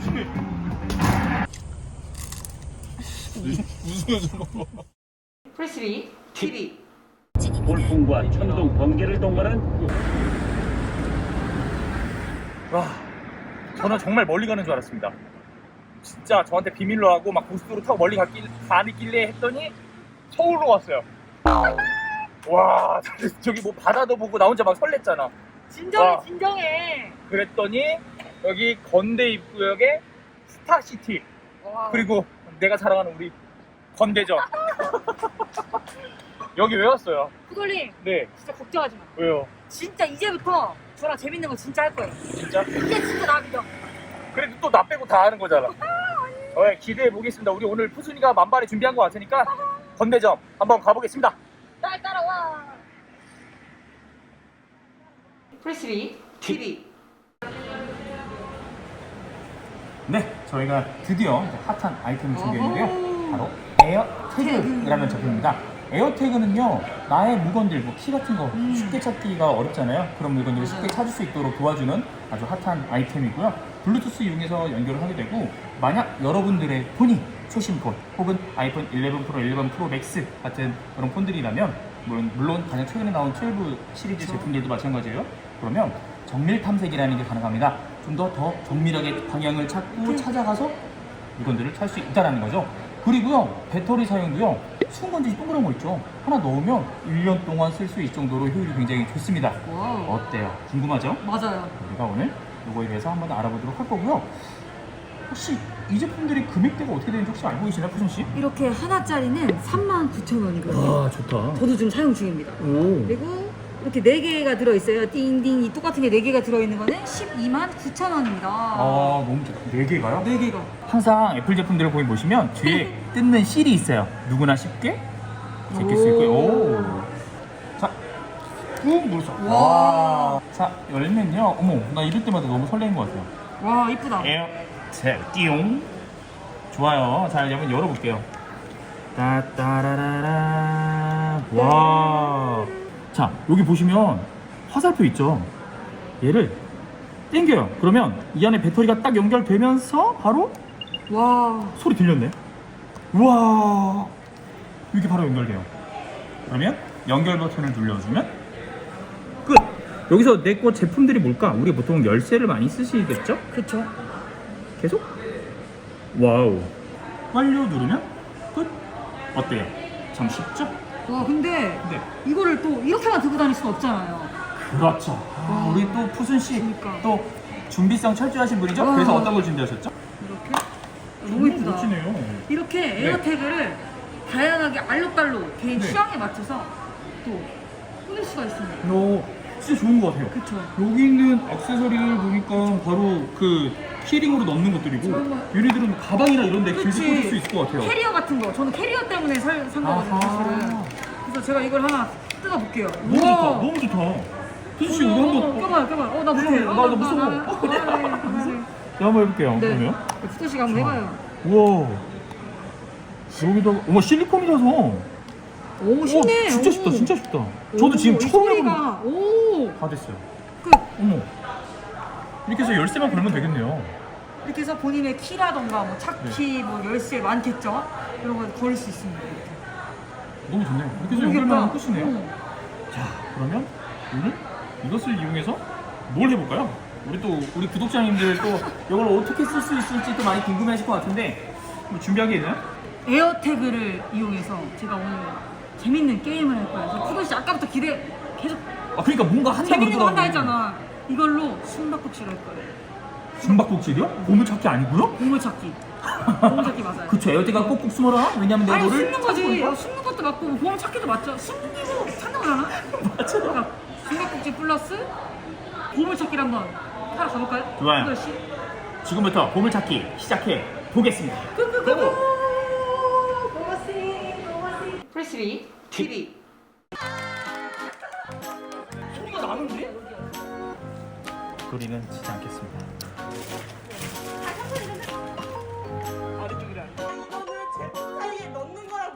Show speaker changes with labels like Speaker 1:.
Speaker 1: 프레스리 TV.
Speaker 2: 돌풍과 천둥 번개를 동반한
Speaker 3: 와, 저는 정말 멀리 가는 줄 알았습니다. 진짜 저한테 비밀로 하고 막 고속도로 타고 멀리 가길래 했더니 서울로 왔어요. 와, 저기 뭐 바다도 보고 나 혼자 막 설렜잖아.
Speaker 1: 진정해,
Speaker 3: 와.
Speaker 1: 진정해.
Speaker 3: 그랬더니 여기 건대 입구역에 스타시티,
Speaker 1: 와.
Speaker 3: 그리고 내가 사랑하는 우리 건대점. 여기 왜 왔어요?
Speaker 1: 후돌님,
Speaker 3: 네,
Speaker 1: 진짜 걱정하지 마.
Speaker 3: 왜요?
Speaker 1: 진짜 이제부터 저랑 재밌는 거 진짜 할 거예요.
Speaker 3: 진짜?
Speaker 1: 이제 진짜 나 믿어.
Speaker 3: 그래도 또 나 빼고 다 하는 거잖아. 기대해 보겠습니다. 우리 오늘 푸순이가 만반에 준비한 거 같으니까 건대점 한번 가보겠습니다.
Speaker 1: 날 따라와. 프레스리 TV.
Speaker 3: 네, 저희가 드디어 핫한 아이템을 준비했는데요. 바로 에어태그라는 제품입니다. 에어태그는요, 나의 물건들, 뭐 키 같은 거 쉽게 찾기가 어렵잖아요. 그런 물건들을 쉽게 찾을 수 있도록 도와주는 아주 핫한 아이템이고요. 블루투스 이용해서 연결을 하게 되고, 만약 여러분들의 폰이 최신 폰 혹은 아이폰 11 프로, 11 프로 맥스 같은 그런 폰들이라면, 물론 가장 최근에 나온 12 시리즈 제품들도 마찬가지예요. 그러면 정밀 탐색이라는 게 가능합니다. 좀 더 정밀하게 방향을 찾고 찾아가서 물건들을 찾을 수 있다는 거죠. 그리고요, 배터리 사용도요, 수은건지 동그란 거 있죠. 하나 넣으면 1년 동안 쓸 수 있을 정도로 효율이 굉장히 좋습니다.
Speaker 1: 와우.
Speaker 3: 어때요? 궁금하죠?
Speaker 1: 맞아요.
Speaker 3: 우리가 오늘 이거에 대해서 한번 알아보도록 할 거고요. 혹시 이 제품들이 금액대가 어떻게 되는지 혹시 알고 계시나요, 푸순 씨?
Speaker 1: 이렇게 하나짜리는 39,000원이거든요.
Speaker 3: 좋다.
Speaker 1: 저도 지금 사용 중입니다.
Speaker 3: 오.
Speaker 1: 그리고 이렇게 4개가 들어있어요. 띵띵. 이 똑같은 게 4개가 들어있는 거는 129,000원입니다.
Speaker 3: 너무 좋다. 4개가요?
Speaker 1: 4개가.
Speaker 3: 항상 애플 제품들을 보시면 뒤에 뜯는 실이 있어요. 누구나 쉽게 제낄 수 있고요. 오. 자, 꾹 눌러서. 와. 자, 열면요. 어머, 나 이럴 때마다 너무 설레는 것 같아요.
Speaker 1: 와, 이쁘다.
Speaker 3: 에어텍 띠용. 좋아요. 자, 한번 열어볼게요. 따따라라라. 와. 자, 여기 보시면 화살표 있죠. 얘를 당겨요. 그러면 이 안에 배터리가 딱 연결되면서 바로
Speaker 1: 와.
Speaker 3: 소리 들렸네. 우와, 이렇게 바로 연결돼요. 그러면 연결 버튼을 눌러주면 끝. 여기서 내 거 제품들이 뭘까? 우리 보통 열쇠를 많이 쓰시겠죠?
Speaker 1: 그쵸.
Speaker 3: 계속. 와우. 완료 누르면 끝. 어때요? 참 쉽죠?
Speaker 1: 와, 근데
Speaker 3: 네.
Speaker 1: 이거를 또 이렇게만 들고 다닐 수는 없잖아요.
Speaker 3: 그렇죠. 우리 또 푸순 씨
Speaker 1: 그러니까.
Speaker 3: 또 준비성 철저하신 분이죠?
Speaker 1: 와.
Speaker 3: 그래서 어떤 걸 준비하셨죠?
Speaker 1: 이렇게. 너무 이쁘다.
Speaker 3: 멋지네요.
Speaker 1: 이렇게
Speaker 3: 네.
Speaker 1: 에어태그를 다양하게 알록달록 개인
Speaker 3: 네.
Speaker 1: 취향에 맞춰서 또 꾸밀 수가 있습니다.
Speaker 3: 진짜 좋은 것 같아요.
Speaker 1: 그쵸.
Speaker 3: 여기 있는 액세서리를 보니까 바로 그 키링으로 넣는 것들이고,
Speaker 1: 정말.
Speaker 3: 얘네들은 가방이나 이런 데 길게
Speaker 1: 그치.
Speaker 3: 꽂을 수 있을 것 같아요.
Speaker 1: 캐리어 같은 거. 저는 캐리어 때문에 산 거거든요,
Speaker 3: 아하.
Speaker 1: 사실은. 그래서 제가 이걸 하나 뜯어볼게요.
Speaker 3: 너무 좋다. 너무 좋다. 푸순 씨, 이거 한번
Speaker 1: 껴봐요. 나 못해.
Speaker 3: 나 무서워.
Speaker 1: 네.
Speaker 3: 제가 한번 해볼게요.
Speaker 1: 네.
Speaker 3: 그러면.
Speaker 1: 푸드 씨가 한번 해봐요.
Speaker 3: 우와. 여기다가, 어머, 실리콘이라서.
Speaker 1: 오, 쉽네.
Speaker 3: 진짜
Speaker 1: 오.
Speaker 3: 쉽다, 진짜 쉽다. 저도 지금
Speaker 1: 이
Speaker 3: 처음 해보는
Speaker 1: 소리가. 오.
Speaker 3: 다 됐어요.
Speaker 1: 끝.
Speaker 3: 어머. 이렇게 해서 열쇠만 걸면 되겠네요.
Speaker 1: 이렇게 해서 본인의 키라던가 뭐 차키,
Speaker 3: 네.
Speaker 1: 뭐 열쇠 많겠죠? 이런 걸 걸을 수 있습니다. 이렇게.
Speaker 3: 너무 좋네요. 이렇게 해서
Speaker 1: 모르겠다.
Speaker 3: 연결만 하면 끝이네요.
Speaker 1: 응.
Speaker 3: 자, 그러면 오늘 이것을 이용해서 뭘 해볼까요? 우리 구독자님들 또 이걸 어떻게 쓸 수 있을지 또 많이 궁금해하실 것 같은데, 뭐 준비한 게 있나요?
Speaker 1: 에어태그를 이용해서 제가 오늘 재밌는 게임을 할 거예요. 그래서 푸드 씨 아까부터 계속
Speaker 3: 그러니까 뭔가 한다
Speaker 1: 재밌는 거 한다
Speaker 3: 그러더라고요.
Speaker 1: 했잖아. 이걸로 숨바꼭질 할 거예요.
Speaker 3: 숨바꼭질이요? 보물찾기 아니고요?
Speaker 1: 보물찾기. 보물찾기 맞아요.
Speaker 3: 그쵸, 에어대가 꼭꼭 숨어라. 왜냐면 내가
Speaker 1: 아니,
Speaker 3: 너를
Speaker 1: 숨는 거지.
Speaker 3: 찾고
Speaker 1: 숨는 것도 맞고 뭐 보물찾기도 맞죠. 숨기고 찾는 거잖아. 맞아. 그러니까 숨바꼭질 플러스 보물찾기를 한번 하러 가볼까요?
Speaker 3: 좋아요.
Speaker 1: 푸드 씨.
Speaker 3: 지금부터 보물찾기 시작해 보겠습니다.
Speaker 1: 프레스리 TV.
Speaker 3: 소리가 나는데? 소리는 치지 않겠습니다.